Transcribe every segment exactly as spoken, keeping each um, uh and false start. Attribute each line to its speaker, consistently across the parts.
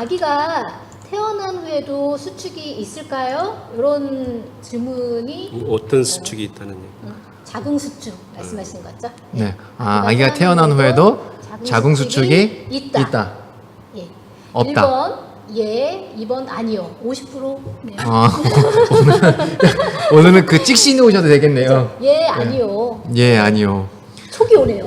Speaker 1: 아기가 태어난 후에도 수축이 있을까요? 이런 질문이
Speaker 2: 어떤 수축이 있다는 얘기?
Speaker 1: 어, 자궁 수축 말씀하시는 거죠?
Speaker 3: 네. 아, 아기가 태어난 후에도 자궁 수축이 있다. 있다.
Speaker 1: 예.
Speaker 3: 없다.
Speaker 1: 일 번 예, 이 번 아니요. 오십 퍼센트네요.
Speaker 3: 아, 오늘은, 오늘은 그 찍시 놓으셔도 되겠네요.
Speaker 1: 예, 아니요.
Speaker 3: 예, 아니요.
Speaker 1: 촉이 오네요.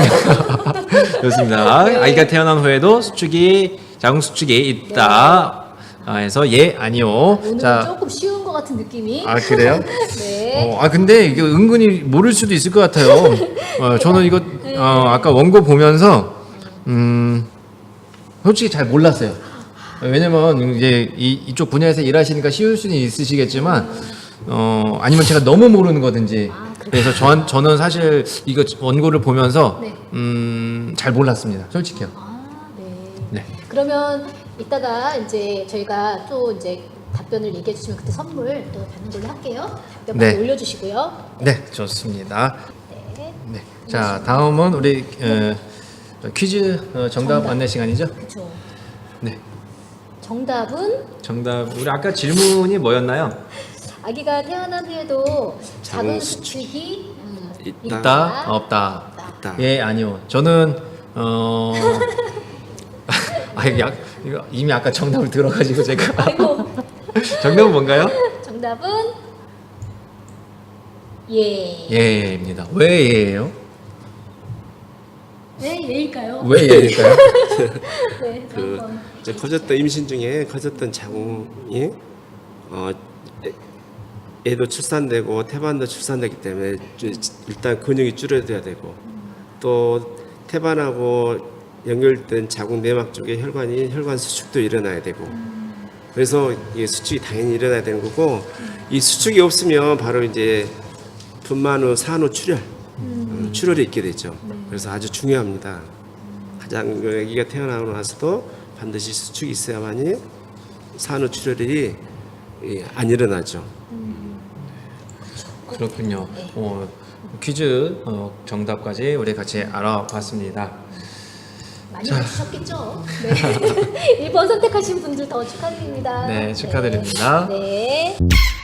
Speaker 3: 좋습니다. 아기가 태어난 후에도 수축이 자궁 수축이 있다. 아, 해서 예, 아니요.
Speaker 1: 오늘은
Speaker 3: 자,
Speaker 1: 조금 쉬운 것 같은 느낌이.
Speaker 3: 아 그래요?
Speaker 1: 네.
Speaker 3: 어, 아 근데 이게 은근히 모를 수도 있을 것 같아요. 어, 저는 이거 어, 아까 원고 보면서 음, 솔직히 잘 몰랐어요. 왜냐면 이제 이, 이쪽 분야에서 일하시니까 쉬울 수는 있으시겠지만 어, 아니면 제가 너무 모르는 거든지.
Speaker 1: 아,
Speaker 3: 그래서 저, 저는 사실 이거 원고를 보면서
Speaker 1: 네.
Speaker 3: 음, 잘 몰랐습니다. 솔직히요.
Speaker 1: 아, 네.
Speaker 3: 네.
Speaker 1: 그러면 이따가 이제 저희가 또 이제 답변을 얘기해 주시면 그때 선물 또 받는 걸로 할게요. 답변 많이
Speaker 3: 네.
Speaker 1: 올려주시고요.
Speaker 3: 네, 좋습니다.
Speaker 1: 네.
Speaker 3: 네. 자, 다음은 우리 어, 퀴즈 어, 정답,
Speaker 1: 정답.
Speaker 3: 안내 시간이죠?
Speaker 1: 그렇죠.
Speaker 3: 네.
Speaker 1: 정답은
Speaker 3: 정답. 우리 아까 질문이 뭐였나요?
Speaker 1: 아기가 태어난 후에도 자궁
Speaker 2: 자궁
Speaker 1: 수축이 음,
Speaker 2: 있다.
Speaker 3: 있다, 없다.
Speaker 2: 있다.
Speaker 3: 예, 아니요. 저는 어 아, 이거 약, 이거 이미 아까 정답을 들어가지고 제가
Speaker 1: 아이고.
Speaker 3: 정답은 뭔가요?
Speaker 1: 정답은 예.
Speaker 3: 예입니다. 왜 예예요?
Speaker 1: 네, 예일까요?
Speaker 3: 왜 예일까요?
Speaker 1: 네,
Speaker 2: 그
Speaker 1: 한번.
Speaker 2: 이제 커졌던 임신 중에 커졌던 자궁이 어 애- 애도 출산되고 태반도 출산되기 때문에 주- 일단 근육이 줄어들어야 되고 또 태반하고 연결된 자궁 내막 쪽에 혈관이 혈관 수축도 일어나야 되고 그래서 이 수축이 당연히 일어나야 되는 거고 이 수축이 없으면 바로 이제 분만 후 산후 출혈 음, 출혈이 있게 되죠. 그래서 아주 중요합니다. 가장 아기가 태어나고 나서도 반드시 수축이 있어야만이 산후 출혈이 예, 안 일어나죠.
Speaker 3: 그렇군요. 어, 퀴즈 어, 정답까지 우리 같이 알아봤습니다.
Speaker 1: 많이 맞추셨겠죠? 네. 일 번 선택하신 분들 더 축하드립니다.
Speaker 3: 네, 축하드립니다.
Speaker 1: 네. 네.